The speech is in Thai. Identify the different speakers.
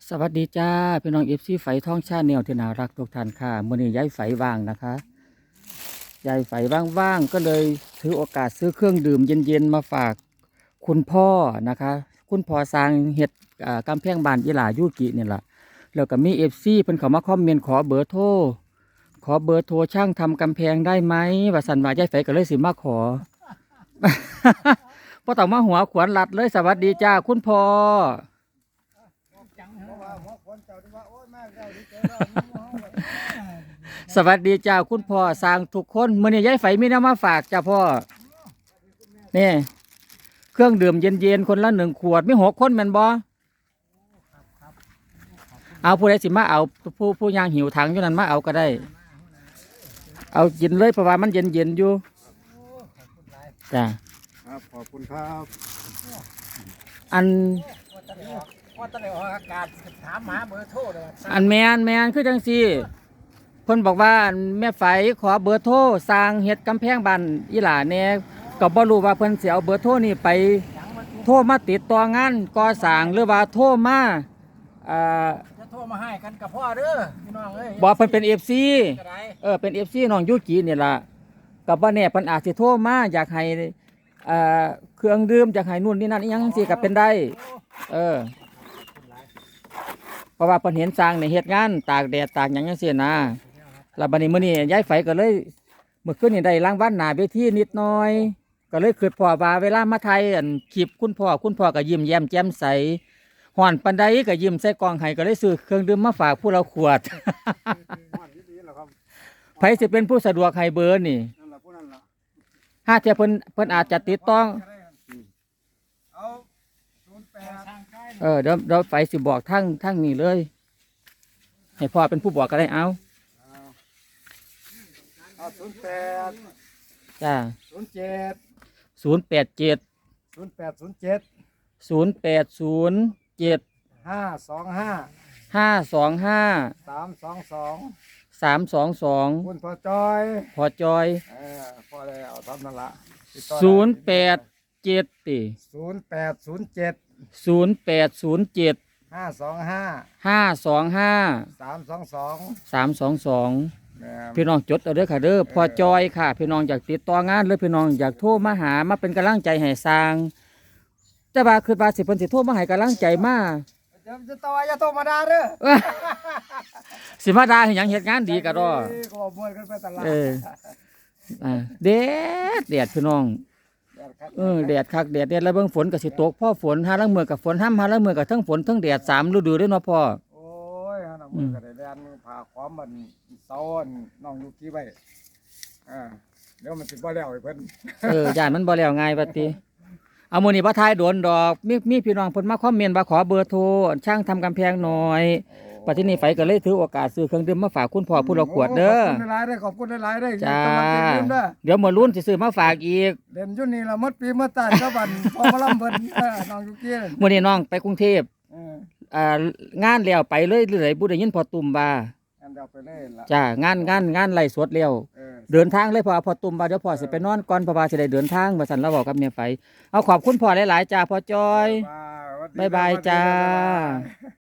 Speaker 1: สวัสดีจ้าพี่น้องFCไฝท่องชาแนลที่น่ารักทุกท่านค่ะมื้อนี้ย้ายไฝว่างนะคะย้ายไฝว่างๆก็เลยถือโอกาสซื้อเครื่องดื่มเย็นๆมาฝากคุณพ่อนะคะคุณพ่อสร้างเฮ็ดกำแพงบ้านอีหลายุกินี่ล่ะแล้วก็มี FC เพิ่นเข้ามาคอมเมนต์ขอเบอร์โทรช่างทำกำแพงได้ไหมว่าซั่นว่าย้ายไฝก็เลยสิมาขอ บ่ต้องมาหัวขวนลัดเลยสวัสดีจ้าคุณพ่อ สวัสดีจ้าคุณพ่อสร้างทุกคนมื้อนี้ยายไฝมีน้ำมาฝากจ้าพ่อนี่เครื่องดื่มเย็นๆคนละ1 ขวดมี6 คนแม่นบ่เอาผู้ใดสิมาเอาผู้ย่างหิวถังอยู่นั่นมาเอาก็ได้เอากินเลยเพราะว่ามันเย็นๆอยู่จ้า
Speaker 2: ครับขอบคุณครับ
Speaker 1: อัน
Speaker 3: ว่าตอนนี้ออกอากาศถามหาเบอร์โทรเลย
Speaker 1: อันแมนคือจังซี่เพิ่นบอกว่าอันแม่ไฝขอเบอร์โทรสร้างเฮ็ดกำแพงบ้านอีหลาแหน่ก็บ่รู้ว่าเพิ่นสิเอาเบอร์โทรนี่ไปโทรมาติดต่องานก่อสร้างหรือว่าโทรมา
Speaker 3: จะโทรมาให้กันกับพ่อเด้อพี่น้องเอ้ย
Speaker 1: บอกเพิ่นเป็น FC
Speaker 3: ก็ได้
Speaker 1: เป็น FC น้องยูกินี่ล่ะก็บ่แน่เพิ่นอาจสิโทรมาอยากให้เครื่องดื่มอยากให้นู่นนี่นั่นอีหยังจังซี่ก็เป็นได้เพราะว่าเพิ่นเห็นสร้างในเฮ็ดงานตากแดดตากหยังจังซี่นะแล้วบัดนี้มื้อนี้ย้ายไฝก็เลยเมื่อคืนนี่ได้รางวัลหน้าเวทีนิดหน่อยก็เลยคิดพ่อว่าเวลามาถ่ายคลิปคุณพ่อก็ยิ้มแย้มแจ่มใสฮ้อนปานใดก็ยิ้มใส่กล้องให้ก็เลยซื้อเครื่องดื่มมาฝากผู้เราขวด ไผสิเป็นผู้สะดวกให้เบอร์นี่
Speaker 2: นั่นแหละผู้นั้นล่ะ
Speaker 1: ถ้าเทียเพิ่นอาจจะติดต้อง
Speaker 2: เอา08
Speaker 1: เดี๋ยวไฟสิบอกทั้งนี้เลยให้พ่อเป็นผู้บอกก็ได้เอา
Speaker 2: 08
Speaker 1: จ้า
Speaker 2: 07
Speaker 1: 087
Speaker 2: 0807
Speaker 1: 0807
Speaker 2: 525
Speaker 1: 525
Speaker 2: 322
Speaker 1: 322
Speaker 2: คุณพ่อจอย
Speaker 1: พอจอย
Speaker 2: พ่อได้เอาทำนั่นละ
Speaker 1: 087ติ
Speaker 2: 0807
Speaker 1: 0807
Speaker 2: 525
Speaker 1: 525
Speaker 2: 322
Speaker 1: พี่น้องจดเอาเด้อค่ะเด้อพอจอยค่ะพี่น้องอยากติดต่องานหรือพี่น้องอยากโทรมาหามาเป็นกำลังใจให้สร้างแต่ว่าคือว่าสิเพิ่นสิโทรมาให้กำลังใจมา
Speaker 2: จะต่ออย่าโทรมาด่าเด้อ
Speaker 1: สิมาด่าให้หยังเฮ็ดงานดีก็ดอ
Speaker 2: ก็มวยกันไปตลาด
Speaker 1: แดดพี่น้องแดดคักแดดแล้วเบิ่งฝนก็สิตกพอฝนหาลางมื้อก็ฝนห้ำหาลางมื้อก็ทั้งฝนทั้งแดด3 ฤดูเด้อเนาะพ่อ
Speaker 2: โอ้ยหาน้ำมือก็ได้แดนผ่าความมันเซาน้องอยู่ที่ไว้เดี๋ยวมันสิบ่แล้วไอ้เพิ่น
Speaker 1: ย่านมันบ่แล้วง่ายบัดติเอามื้อนี้บ่ทายโดนดอกมีพี่น้องเพิ่นมาคอมเมนต์ว่าขอเบอร์โทรช่างทำกำแพงหน่อยปัจจุบันนี้ไฟก็เลยถือโอกาสซื้อเครื่องดื่มมาฝากคุณพ่อผู้ละขวดเด้อ
Speaker 2: ขอบคุณหลายๆได้
Speaker 1: จ้าเดี๋ยวมื้อรุ่นสิซื้อมาฝากอีก
Speaker 2: เด่นอยู่นี่ละหมดปีหมดตายก็บันพอมาลำเพิ่นน้องอยู่เกี้ย
Speaker 1: มื้อนี้น้องไปกรุงเทพงานแล้วไปเลยหรือไดบ่ได้ยินพอตุ่มว่าง
Speaker 2: านเดียวไปเลยล่ะ
Speaker 1: จ้างานไล่สดแล้วเดินทางเลยพอตุ่มว่าเดี๋ยวพ่อสิไปนอนก่อนเพราะว่าสิได้เดินทางว่าซั่นเราบอกกับเมียไฟเอาขอบคุณพ่อหลายๆจ้าพ่อจอยบ๊ายบายจ้า